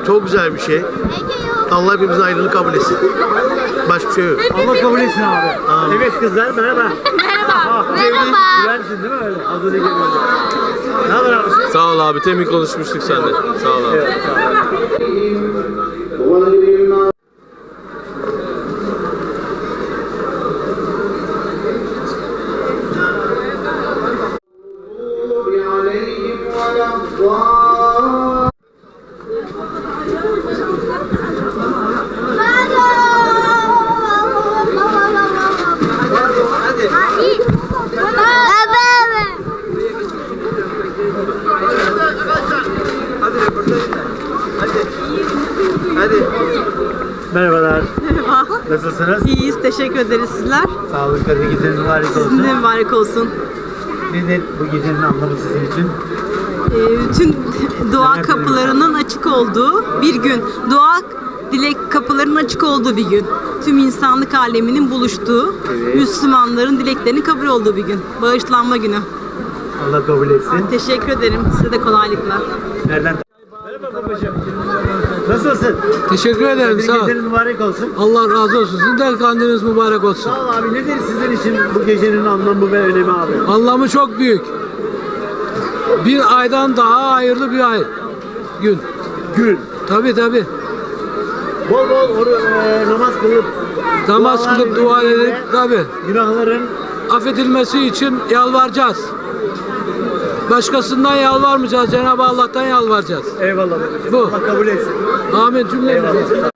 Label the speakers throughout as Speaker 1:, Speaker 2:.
Speaker 1: Çok güzel bir şey. Allah hepimizin ayrılığı kabul etsin. Başka bir şey yok.
Speaker 2: Allah kabul etsin abi.
Speaker 1: Amin.
Speaker 2: Evet kızlar merhaba.
Speaker 3: Merhaba. Merhaba.
Speaker 2: Güvensin değil mi öyle? Az önce geliyordu. Ne haber abi?
Speaker 4: Sağ ol abi. Temin konuşmuştuk seninle. Sağ ol abi.
Speaker 2: Evet, sağ ol. Merhabalar.
Speaker 5: Merhaba.
Speaker 2: Nasılsınız?
Speaker 5: İyiyiz, teşekkür ederiz sizler.
Speaker 2: Sağ olun. Kadir gecenin mübarek olsun.
Speaker 5: Sizin de mübarek olsun.
Speaker 2: Nedir bu gecenin anlamı sizin için?
Speaker 5: Bütün dua kapılarının açık olduğu bir gün. Dua, dilek kapılarının açık olduğu bir gün. Tüm insanlık aleminin buluştuğu, Müslümanların dileklerinin kabul olduğu bir gün. Bağışlanma günü.
Speaker 2: Allah kabul etsin.
Speaker 5: Teşekkür ederim. Size de kolaylıklar.
Speaker 2: Nereden? Merhaba babacığım. Nasılsın?
Speaker 4: Teşekkür ederim.
Speaker 2: Kadir
Speaker 4: Sağ ol.
Speaker 2: gecenin mübarek olsun.
Speaker 4: Allah razı olsun. Sizin de kandiliniz mübarek olsun.
Speaker 2: Sağ ol abi. Nedir sizin için bu gecenin anlamı ve önemi abi?
Speaker 4: Anlamı çok büyük. Bir aydan daha hayırlı bir ay. Gün.
Speaker 2: Gün.
Speaker 4: Tabii tabii.
Speaker 2: Bol bol namaz kılıp
Speaker 4: Namaz
Speaker 2: dualar
Speaker 4: kılıp dua
Speaker 2: nedeniyle
Speaker 4: edip tabii.
Speaker 2: günahların
Speaker 4: Affedilmesi için yalvaracağız. Başkasından yalvarmayacağız. Cenab-ı Allah'tan yalvaracağız.
Speaker 2: eyvallah babacığım.
Speaker 4: Bu.
Speaker 2: Allah kabul etsin.
Speaker 4: Amin cümlemize.
Speaker 2: Eyvallah.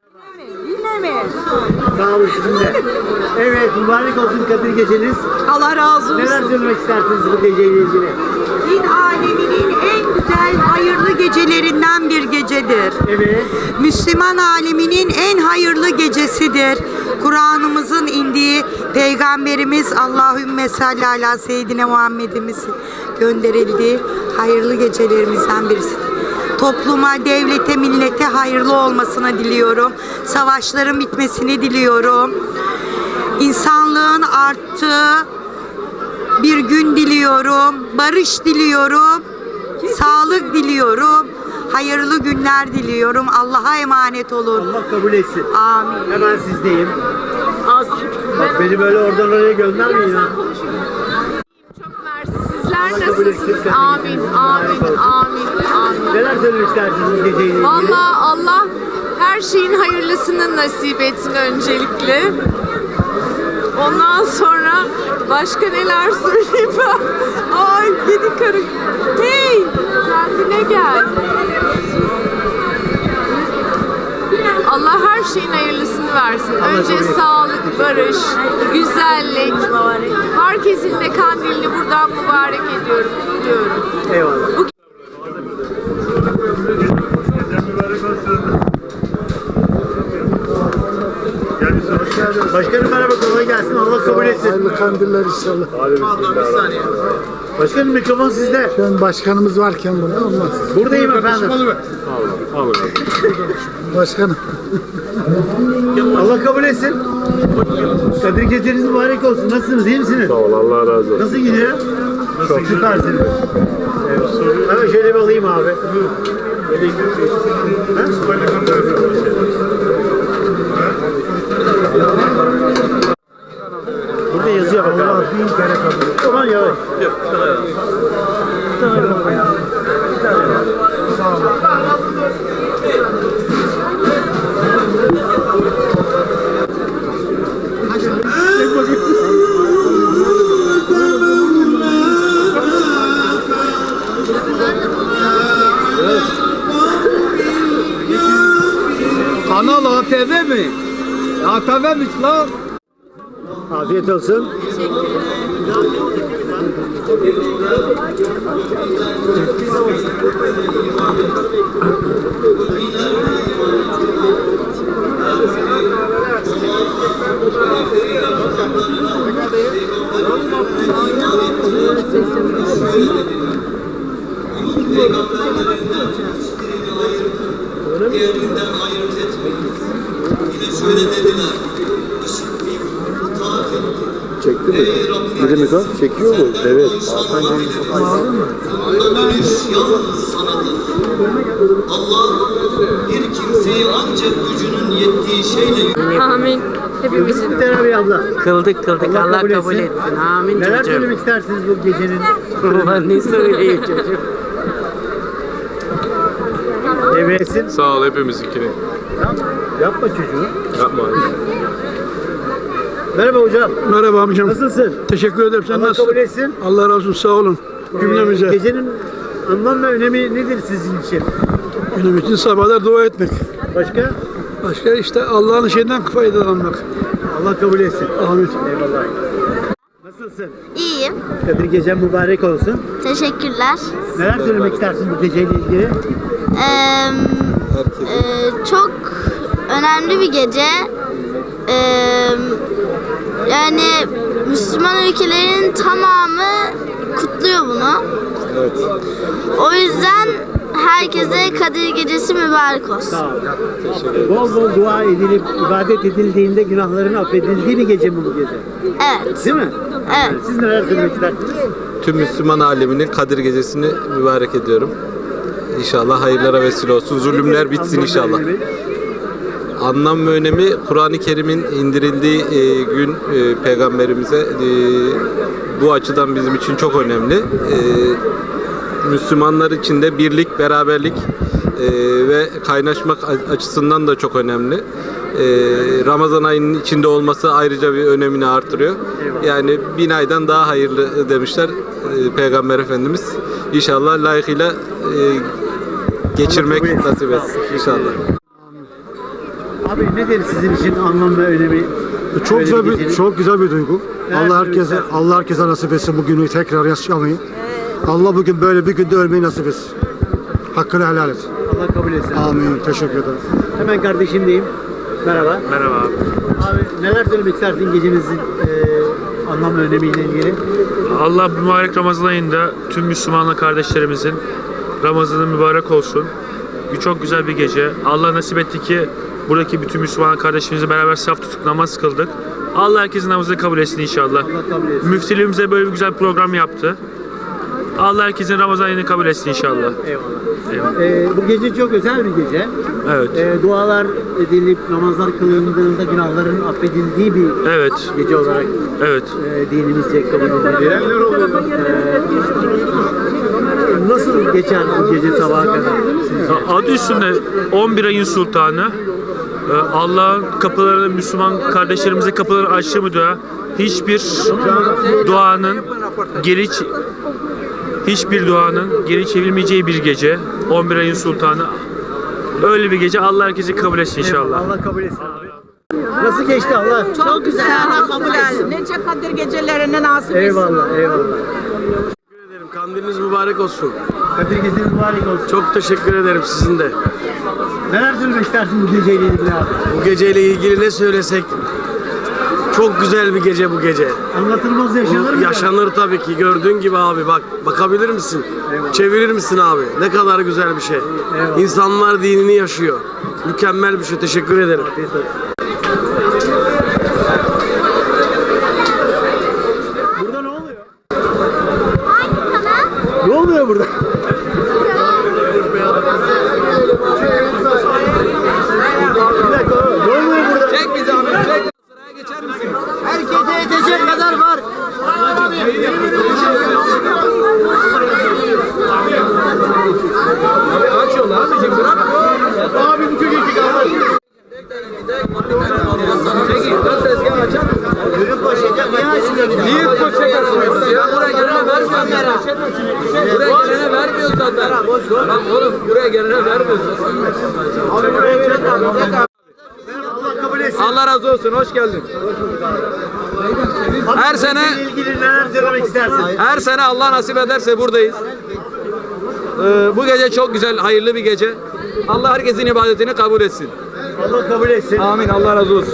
Speaker 2: Sağ olun sizin de. Evet mübarek olsun Kadir geceniz.
Speaker 5: Allah razı
Speaker 2: Neler söylemek istersiniz bu geceyle ilgili?
Speaker 6: Din aleminin en güzel, hayırlı gecelerinden bir gecedir.
Speaker 2: Evet.
Speaker 6: Müslüman aleminin en hayırlı gecesidir. Kur'an'ımızın indiği Peygamberimiz Allahümme salli ala seyyidine Muhammed'imizin gönderildiği hayırlı gecelerimizden birisidir. Topluma, devlete, millete hayırlı olmasını diliyorum. Savaşların bitmesini diliyorum. İnsanlığın arttığı bir gün diliyorum. Barış diliyorum. Sağlık diliyorum. Hayırlı günler diliyorum. Allah'a emanet olun.
Speaker 2: Allah kabul etsin.
Speaker 6: Amin.
Speaker 2: Hemen sizdeyim. Bak beni böyle oradan oraya göndermeyin ha.
Speaker 3: Çok mersi. Sizler
Speaker 2: Allah kabul etsin.
Speaker 3: nasılsınız? Amin, amin, amin, amin.
Speaker 2: Neler söylemek istersiniz bu geceyle ilgili?
Speaker 3: Vallahi Allah her şeyin hayırlısını nasip etsin öncelikle. Ondan sonra başka neler söyleyeyim ben? Ay yedi karı. Hey! Kendine gel. Allah her şeyin hayırlısını versin. Önce sağlık, barış, güzellik. Herkesin de kandilini buradan mübarek ediyorum, kutluyorum.
Speaker 2: Eyvallah. Başkanım merhaba, kolay gelsin. Allah kabul etsin.
Speaker 7: Hayırlı kandiller inşallah.
Speaker 2: Başkanım mikrofon sizde.
Speaker 7: Şu an başkanımız varken burada olmaz.
Speaker 2: Buradayım efendim.
Speaker 7: Başkanım.
Speaker 2: Allah kabul etsin. Kadir geceniz mübarek olsun. Nasılsınız? İyi misiniz?
Speaker 4: Sağ ol. Allah razı olsun.
Speaker 2: Nasıl gidiyor? Çok süpersiniz. Eyvallah. Hemen şöyle bir alayım abi. Burada yazıyor bak abi. Bin kere kabul. Tamam yavaş.
Speaker 7: Kanal ATV mi? ATV'miş lan.
Speaker 2: Afiyet olsun.
Speaker 8: Diğerinden ayırt etmeyin. Yine şöyle dediler. Işık bir taat etti.
Speaker 2: Çekti mi? Biri mi kan? Çekiyor mu? Evet.
Speaker 8: Bir kimseyi ancak gücünün yettiği şeyle
Speaker 3: Amin. Hepimizin.
Speaker 2: Bir tane bir abla.
Speaker 9: Kıldık Allah kabul
Speaker 2: etsin.
Speaker 9: etsin. Amin
Speaker 2: Neler
Speaker 9: çocuğum.
Speaker 2: söylemek istersiniz bu gecenin?
Speaker 9: Ulan ne söyleyeyim çocuğum.
Speaker 2: Devresin.
Speaker 10: Sağ ol hepimizinkini.
Speaker 2: Yapma çocuğu.
Speaker 10: Yapma.
Speaker 2: Merhaba hocam.
Speaker 7: Merhaba amcam.
Speaker 2: Nasılsın?
Speaker 7: Teşekkür ederim. Sen
Speaker 2: Allah
Speaker 7: nasılsın?
Speaker 2: kabul etsin.
Speaker 7: Allah razı olsun. Sağ olun. Cümlemize.
Speaker 2: Gecenin anlam ve önemi nedir sizin için?
Speaker 7: Benim için sabahlar dua etmek.
Speaker 2: Başka?
Speaker 7: Başka işte Allah'ın şeyinden faydalanmak.
Speaker 2: Allah kabul etsin.
Speaker 7: Amin.
Speaker 2: Eyvallah. Nasılsın?
Speaker 11: İyiyim.
Speaker 2: Kadir gecen mübarek olsun.
Speaker 11: Teşekkürler.
Speaker 2: Neler söylemek istersin bu geceyle ilgili?
Speaker 11: Çok önemli bir gece. Yani Müslüman ülkelerin tamamı kutluyor bunu.
Speaker 2: Evet.
Speaker 11: O yüzden herkese Kadir Gecesi mübarek olsun.
Speaker 2: Sağ ol. Bol bol dua edilip ibadet edildiğinde günahların affedildiği bir gece mi bu gece?
Speaker 11: Evet.
Speaker 2: Değil mi?
Speaker 11: Evet.
Speaker 2: Siz neler söylemek istersiniz?
Speaker 10: Tüm Müslüman aleminin Kadir Gecesi'ni mübarek ediyorum. İnşallah hayırlara vesile olsun. Zulümler bitsin inşallah. Anlam ve önemi Kur'an-ı Kerim'in indirildiği gün peygamberimize bu açıdan bizim için çok önemli. Müslümanlar için de birlik, beraberlik ve kaynaşmak açısından da çok önemli. Ramazan ayının içinde olması ayrıca bir önemini artırıyor. Yani 1000 aydan daha hayırlı demişler Peygamber Efendimiz. İnşallah layıkıyla geçirmek nasip etsin inşallah.
Speaker 2: Abi nedir sizin için anlam ve önemi?
Speaker 12: Çok güzel
Speaker 2: gecenin?
Speaker 12: çok güzel bir duygu.
Speaker 2: Neler
Speaker 12: Allah herkese nasip etsin bu günü tekrar yaşamayı. Allah bugün böyle bir günde ölmeyi nasip etsin. Hakkını helal et.
Speaker 2: Allah kabul etsin.
Speaker 12: Amin. Teşekkür ederim.
Speaker 2: Hemen kardeşimdeyim. Merhaba.
Speaker 10: Merhaba abi.
Speaker 2: Abi neler söylemek istersin gecenizin anlam ve önemiyle ilgili?
Speaker 13: Allah mübarek Ramazan ayında tüm Müslüman kardeşlerimizin Ramazanı mübarek olsun. Çok güzel bir gece. Allah nasip etti ki buradaki bütün Müslüman kardeşlerimizle beraber saf tutup namaz kıldık. Allah herkesin namazını kabul etsin inşallah.
Speaker 2: Allah kabul etsin.
Speaker 13: Müftülüğümüze böyle bir güzel program yaptı. Allah herkesin Ramazan ayını kabul etsin inşallah.
Speaker 2: Eyvallah. Bu gece çok özel bir gece.
Speaker 13: Evet.
Speaker 2: Dualar edilip namazlar kılındığında günahların affedildiği bir
Speaker 13: Evet.
Speaker 2: gece olarak
Speaker 13: Evet.
Speaker 2: dinimizce kabul ediliyor. Nasıl geçer bu gece sabaha kadar sizce?
Speaker 13: Adı üstünde 11 ayın sultanı. Allah'ın kapılarını Müslüman kardeşlerimize kapıları açtı mı dua? Hiçbir duanın geri çevrilmeyeceği bir gece. 11 ayın sultanı. Öyle bir gece. Allah herkesi kabul etsin inşallah.
Speaker 2: Allah kabul etsin abi. Nasıl geçti Allah?
Speaker 6: Çok güzel. Allah kabul etsin. Nice Kadir gecelerine nasip etsin.
Speaker 2: Eyvallah, eyvallah.
Speaker 1: Kandiliniz mübarek olsun.
Speaker 2: Kadir geceniz mübarek olsun.
Speaker 1: Çok teşekkür ederim sizin de.
Speaker 2: Neler söylemek istersin bu geceyle ilgili abi?
Speaker 1: Bu geceyle ilgili ne söylesek çok güzel bir gece bu gece.
Speaker 2: Anlatılmaz yaşanır mı?
Speaker 1: Yaşanır tabii ki. Gördüğün gibi abi bak. Bakabilir misin?
Speaker 2: Eyvallah.
Speaker 1: Çevirir misin abi? Ne kadar güzel bir şey.
Speaker 2: Eyvallah.
Speaker 1: İnsanlar dinini yaşıyor. Mükemmel bir şey. Teşekkür ederim.
Speaker 2: Burada ne oluyor? Ne oluyor burada? Bir dakika, ne oluyor burada?
Speaker 7: Çek bizi abi. Çek. Sıraya geçer misin?
Speaker 2: Herkese yetecek kadar var.
Speaker 7: Aç yolu abicim bırak.
Speaker 2: Abi bu çocuk kaldı.
Speaker 7: Çekil. Dön tezgahı açar mısın?
Speaker 2: Yürüp başlayacak. Niye açmıyor?
Speaker 7: Niye koşacaksınız ya? Buraya gelene vermiyoruz. Buraya gelene vermiyoruz zaten. Lan oğlum buraya gelene vermiyoruz.
Speaker 2: Allah kabul etsin.
Speaker 7: Allah razı olsun. Hoş geldin. Her sene
Speaker 2: ilgili neler söylemek istersin?
Speaker 7: her sene Allah nasip ederse buradayız. Bu gece çok güzel, hayırlı bir gece. Allah herkesin ibadetini kabul etsin.
Speaker 2: Allah kabul etsin.
Speaker 7: Amin. Allah razı olsun.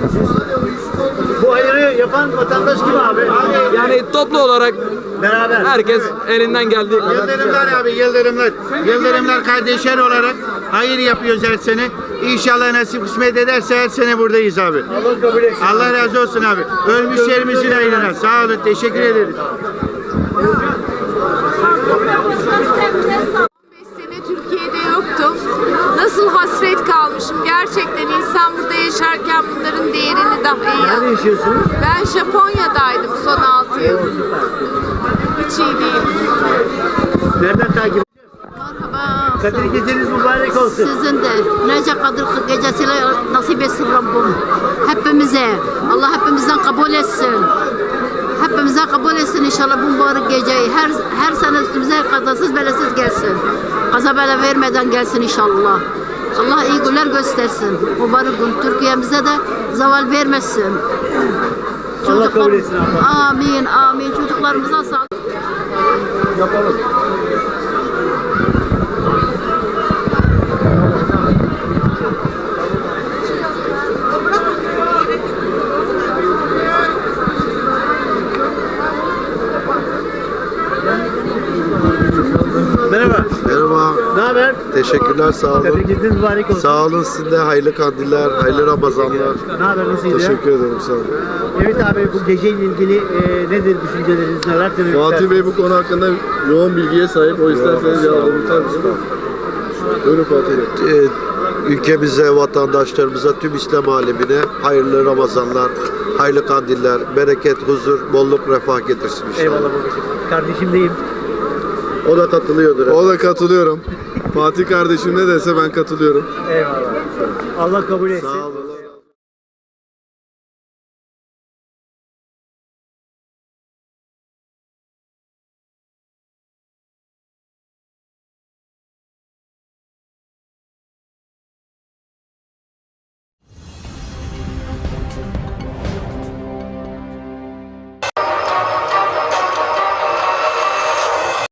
Speaker 2: Bu hayırı yapan vatandaş kim abi?
Speaker 7: Yani toplu olarak
Speaker 2: Beraber.
Speaker 7: herkes elinden geldiği kadar.
Speaker 12: Yıldırımlar abi, Yıldırımlar. Yıldırımlar kardeşler olarak hayır yapıyoruz her sene.
Speaker 2: İnşallah nasip kısmet ederse her sene buradayız abi. Allah kabul etsin. Allah razı olsun abi. Ölmüşlerimizin ayrına. Sağ olun. Teşekkür ederiz.
Speaker 3: 15 sene Türkiye'de yoktum. Nasıl hasret kalmışım. Gerçekten insan burada yaşarken bunların değerini daha iyi
Speaker 2: Nerede yaşıyorsunuz?
Speaker 3: Ben Japonya'daydım son 6 yıl. Hiç iyi değil.
Speaker 2: Nereden takip?
Speaker 14: Merhaba.
Speaker 2: Kadir geceniz mübarek olsun.
Speaker 14: Sizin de Nece Kadir gecesiyle nasip etsin Rabbim. Hepimize. Allah hepimizden kabul etsin. Hepimizden kabul etsin inşallah bu mübarek geceyi. Her sene üstümüze kazasız belesiz gelsin. Kaza bela vermeden gelsin inşallah. Allah iyi günler göstersin. Mübarek gün Türkiye'mize de zeval vermesin.
Speaker 2: Allah kabul etsin abla.
Speaker 14: Amin, amin. Çocuklarımıza sağlık.
Speaker 2: Yapalım. Merhaba.
Speaker 1: Merhaba.
Speaker 2: Ne haber?
Speaker 1: Teşekkürler, sağ olun.
Speaker 2: Kadir geceniz mübarek olsun.
Speaker 1: Sağ olun, sizin de hayırlı kandiller, hayırlı Ramazanlar.
Speaker 2: Ne haber? Nasıl gidiyor?
Speaker 1: Teşekkür ederim, sağ olun.
Speaker 2: Evet abi, bu geceyle ilgili nedir düşünceleriniz, neler söylemek
Speaker 15: Fatih
Speaker 2: istersiniz?
Speaker 15: Bey bu konu hakkında yoğun bilgiye sahip. O isterseniz cevabını tutar mısınız? Buyurun Fatih Bey.
Speaker 1: Ülkemize, vatandaşlarımıza, tüm İslam alemine hayırlı Ramazanlar, hayırlı kandiller, bereket, huzur, bolluk, refah getirsin inşallah.
Speaker 2: Eyvallah babacığım. Kardeşim deyim.
Speaker 1: O da katılıyordur.
Speaker 15: O da katılıyorum. Fatih kardeşim ne dese ben katılıyorum.
Speaker 2: Eyvallah. Allah kabul etsin.
Speaker 1: Sağ olun.